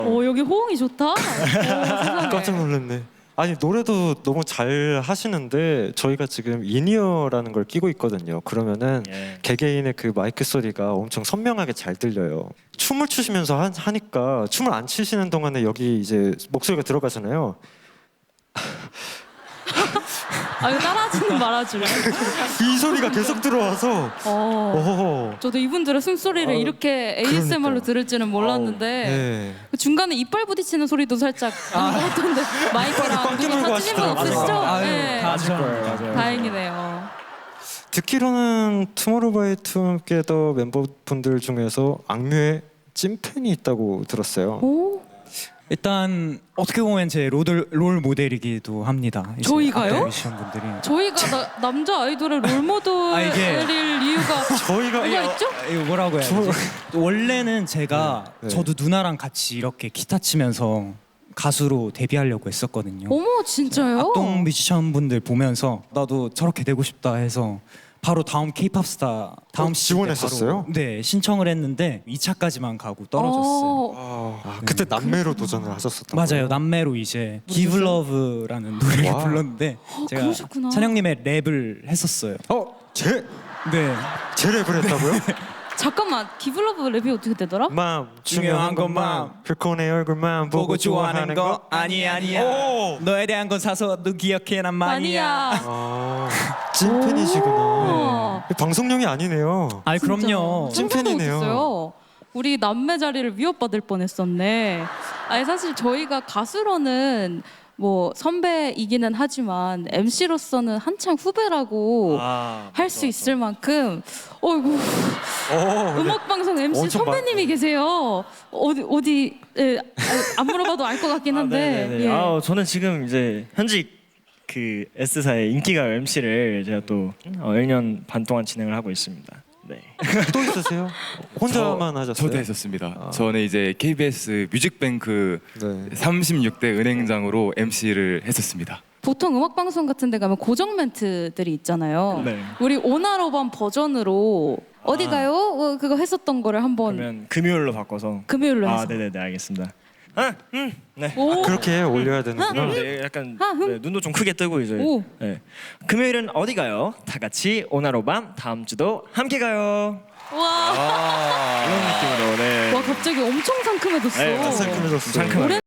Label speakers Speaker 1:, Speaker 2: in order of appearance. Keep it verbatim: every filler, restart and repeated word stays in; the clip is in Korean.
Speaker 1: 오 여기 호응이 좋다. 오, 세상에.
Speaker 2: 깜짝 놀랐네. 아니 노래도 너무 잘 하시는데 저희가 지금 인이어라는 걸 끼고 있거든요. 그러면은
Speaker 3: 예.
Speaker 2: 개개인의 그 마이크 소리가 엄청 선명하게 잘 들려요. 춤을 추시면서 하, 하니까 춤을 안 추시는 동안에 여기 이제 목소리가 들어가잖아요.
Speaker 1: 아 이거 따라하지는 말아줄래?
Speaker 2: 이 소리가 계속 들어와서
Speaker 1: 어.
Speaker 2: 어.
Speaker 1: 저도 이분들의 숨소리를
Speaker 2: 아,
Speaker 1: 이렇게 에이에스엠알로
Speaker 2: 그러니까요.
Speaker 1: 들을 줄은 몰랐는데
Speaker 2: 네.
Speaker 1: 그 중간에 이빨 부딪히는 소리도 살짝 나왔던데 마이크랑
Speaker 2: 꽉
Speaker 1: 누가
Speaker 2: 깨물고
Speaker 1: 다치신 분
Speaker 2: 하시더라고요.
Speaker 1: 없으시죠?
Speaker 4: 아유,
Speaker 1: 네.
Speaker 4: 다 아실 거예요.
Speaker 3: 맞아요.
Speaker 1: 다행이네요.
Speaker 2: 듣기로는 투모로우바이투게더 멤버분들 중에서 악뮤의 찐팬이 있다고 들었어요.
Speaker 1: 오?
Speaker 4: 일단 어떻게 보면 제 롤, 롤 모델이기도 합니다. 이제
Speaker 1: 저희가요?
Speaker 4: 앞에 뮤지션 분들이.
Speaker 1: 저희가 나, 남자 아이돌의 롤모델일
Speaker 4: 아, 이게-
Speaker 1: 이유가
Speaker 2: 저희가
Speaker 1: 뭐가 있죠?
Speaker 4: 아, 이거 뭐라고 해야 되지? 원래는 제가
Speaker 2: 네, 네.
Speaker 4: 저도 누나랑 같이 이렇게 기타 치면서 가수로 데뷔하려고 했었거든요.
Speaker 1: 어머 진짜요?
Speaker 4: 악동 뮤지션 분들 보면서 나도 저렇게 되고 싶다 해서 바로 다음 케이팝 스타 다음
Speaker 2: 어,
Speaker 4: 시즌 때
Speaker 2: 지원했었어요?
Speaker 4: 바로, 네, 신청을 했는데 이 차까지만 가고 떨어졌어요.
Speaker 1: 어,
Speaker 2: 아, 그때 남매로 도전을 하셨었던
Speaker 4: 맞아요.
Speaker 2: 거예요?
Speaker 4: 남매로 이제 Give Love라는 노래를
Speaker 2: 와.
Speaker 4: 불렀는데 제가
Speaker 1: 그러셨구나.
Speaker 4: 찬영님의 랩을 했었어요.
Speaker 2: 어? 제?
Speaker 4: 네.
Speaker 2: 제 랩을 했다고요?
Speaker 1: 잠깐만 기블러브 랩이 어떻게 되더라?
Speaker 2: 맘
Speaker 4: 중요한 건 맘.
Speaker 2: 그코 내 얼굴만 보고 좋아하는 거
Speaker 4: 아니 아니야.
Speaker 2: 오!
Speaker 4: 너에 대한 건 사서도 기억해 난 마니아.
Speaker 2: 아, 찐팬이시구나. 방송용이 아니네요.
Speaker 4: 아이 그럼요.
Speaker 1: 진짜 상상도
Speaker 2: 찐팬이네요.
Speaker 1: 못했어요. 우리 남매 자리를 위협받을 뻔했었네. 아니 사실 저희가 가수로는 뭐 선배이기는 하지만 엠씨로서는 한창 후배라고
Speaker 3: 아,
Speaker 1: 할 수 있을 만큼 어이구
Speaker 2: 오,
Speaker 1: 음악 방송 엠씨
Speaker 2: 엄청 많-
Speaker 1: 선배님이 계세요. 어디 어디 예, 아, 안 물어봐도 알 것 같긴 한데.
Speaker 3: 네네네.
Speaker 1: 예.
Speaker 3: 아, 저는 지금 이제 현직 그 S사의 인기가 엠씨를 제가 또 어, 일 년 반 동안 진행을 하고 있습니다. 네.
Speaker 2: 또 있으세요? 혼자만 하셨어요?
Speaker 5: 저도 했었습니다.
Speaker 2: 아.
Speaker 5: 저는 이제 케이비에스 뮤직뱅크
Speaker 2: 네.
Speaker 5: 삼십육 대 은행장으로 엠씨를 했었습니다.
Speaker 1: 보통 음악 방송 같은 데 가면 고정 멘트들이 있잖아요.
Speaker 3: 네.
Speaker 1: 우리 오나로반 버전으로 어디
Speaker 3: 아.
Speaker 1: 가요? 어, 그거 했었던 거를 한번
Speaker 3: 그러면 금요일로 바꿔서.
Speaker 1: 금요일로 해서.
Speaker 3: 아, 네네네, 알겠습니다. 아, 음, 네.
Speaker 1: 오.
Speaker 2: 그렇게 올려야 되는구나.
Speaker 3: 네, 약간
Speaker 1: 아, 흠.
Speaker 3: 네, 눈도 좀 크게 뜨고 이제.
Speaker 1: 오.
Speaker 3: 네. 금요일은 어디 가요? 다 같이 오나로밤 다음 주도 함께 가요.
Speaker 1: 와.
Speaker 3: 이런 느낌으로. 네.
Speaker 1: 와 갑자기 엄청 상큼해졌어.
Speaker 3: 네,
Speaker 2: 상큼해졌어요.
Speaker 3: 상큼하게.